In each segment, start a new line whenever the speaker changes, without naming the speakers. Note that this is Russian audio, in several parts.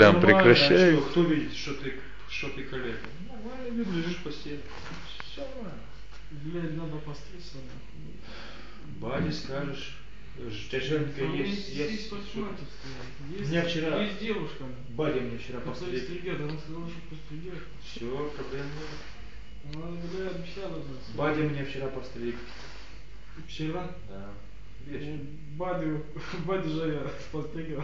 прям
нормально,
прекращай.
а кто видит, что ты коллега? Нормально, лежишь в постели. Все нормально.
Блядь, надо постричься.
Баде скажешь. Женька есть.
У
меня вчера...
Есть девушка.
Бадя мне вчера
постриг. Она сказала, что постригет.
Все, проблем нет.
Она, блядь, обещала же.
Бадя мне вчера постриг.
Вчера?
Да. Вечером.
Бадю же я постригал.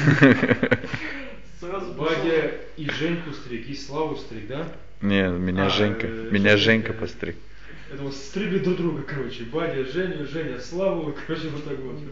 Сразу
Бадя и Женьку стриг, и Славу стриг, да?
Не, меня Женька постриг.
Это вот стригли друг друга, короче. Бадя, Женя, Славу, короче, вот так вот.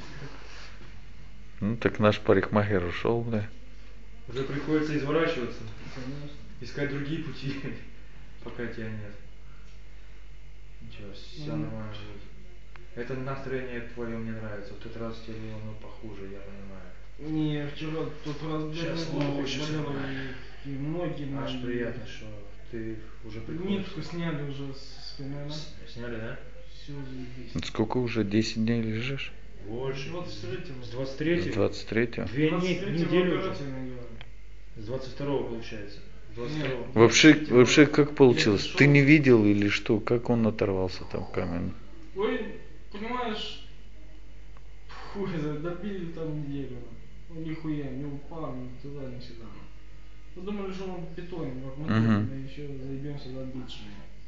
Ну так наш парикмахер ушел, бля.
Уже приходится изворачиваться.
Конечно.
Искать другие пути, пока тебя нет. Ничего, все нормально будет. Это настроение твое мне нравится. В тот раз тебе было похуже, я понимаю.
Не, вчера тот раз
Сейчас лучше.
и ноги.
Аж приятно, что ты уже приходишь.
Нитку сняли уже с спины, да?
Сняли, да?
Все заебись.
Сколько уже? 10 дней лежишь?
Больше. С
23-го. С 23-го.
2 недели уже. С 22-го получается.
Вообще как получилось? Ты не видел или что? Как он оторвался там камень?
Ой, понимаешь, хуй, добили там неделю. Он нихуя не упал, ни туда, ни сюда. Мы думали, что он в бетоне, как мы еще заебемся добить же.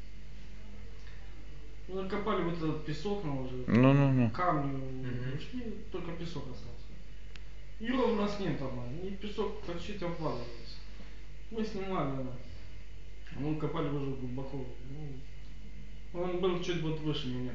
Ну, накопали вот этот песок на уже. Камни ушли, только песок остался. И ровно с ним там, и песок почти обваливается. Мы снимали, мы копали уже глубоко. Ну, он был чуть вот выше меня.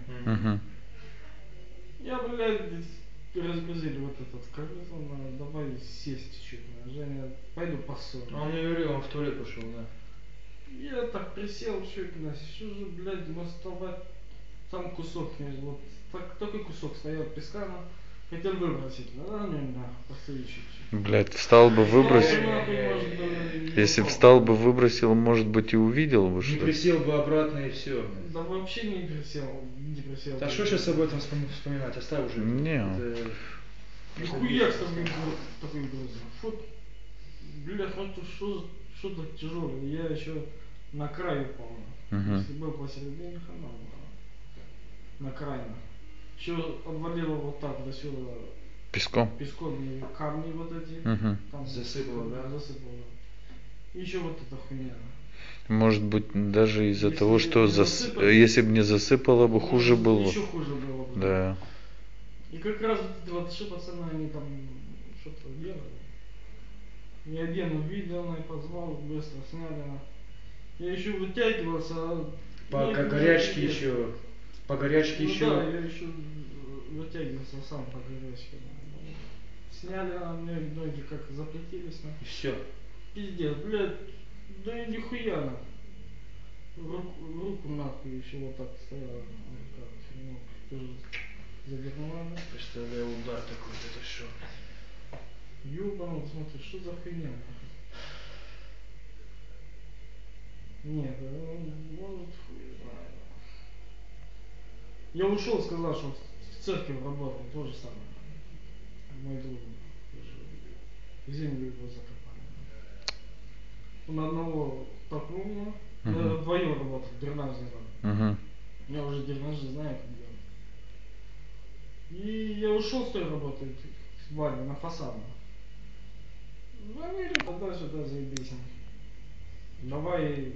Я, блядь, разгрузили вот этот колесо, давай сесть чуть. Женя, пойду посолю.
А он не говорил, он в туалет пошел, да.
Я так присел, чуть, что же, блядь, доставать. Там кусок, вот так, такой кусок стоял песка, хотел выбросить, да, мне нахуй, посмотри чуть-чуть.
Блядь, встал бы выбросил. Если встал бы выбросил, может быть и увидел бы что.
Не присел бы обратно и все.
Да вообще не присел.
Да что сейчас об этом вспоминать, оставь уже.
Не.
Нихуя с тобой такой груз. Вот, блядь, ну тут что-то тяжелое, я еще на краю упал. Если был посередине, хана была. На крайне. Еще обвалило вот так до сюда.
Песком?
Песком и камни вот эти. Там
засыпало, да?
Засыпало. И еще вот эта хуйня.
Может быть, даже из-за того, что если бы не засыпало бы, хуже было.
Еще хуже было бы.
Да.
И как раз вот эти пацаны, они там что-то делали. Я один увидел, и позвал, быстро сняли. Я еще вытягивался.
По горячке еще. По горячке еще.
Да, я еще вытягивался сам по горячке. Сняли, а мне ноги как заплетились.
И все.
Пиздец, блядь, да и нихуя на. Руку нахуй еще вот так стояла. Ну, тоже завернула.
Представляю удар такой, это что?
Ёбаный, смотри, что за хуйня нахуй? Нет, может хуй знает. Я ушел, сказал, что в церкви работал, то же самое. Мой друг, землю его закопали. Он одного толкнул, вдвоем работал, дренаж сделал. Я уже дренаж знаю, как делать. И я ушел с той работы, с Ваней, на фасадно. Звонили, тогда сюда заебись. Давай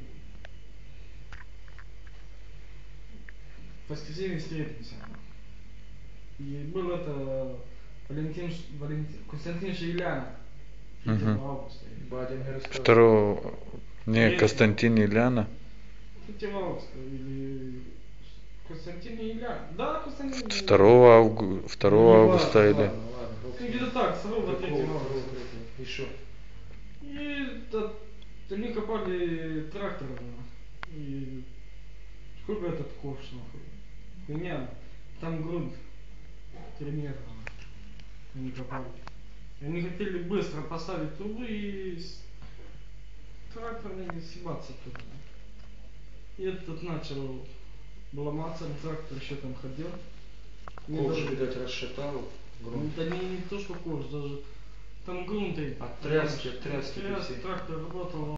в воскресенье встретимся. И был это Константин Шейляна. 3 августа.
Бадя мне рассказывал.
Константин Ильяна.
3 августа или Константин Ильяна. Да, Константин.
2 августа или.
Где-то так, 2 3 августа.
И что?
И они копали трактором. И сколько этот ковш нахуй? Хуйня. Там грунт 3 метра. Они копали. Они хотели быстро поставить трубы и трактором съебаться туда. И этот начал ломаться, трактор еще там ходил.
Ковш, видать, расшатал.
Да не то, что ковш, даже Там грунты.
От тряски, все.
Трактор работал.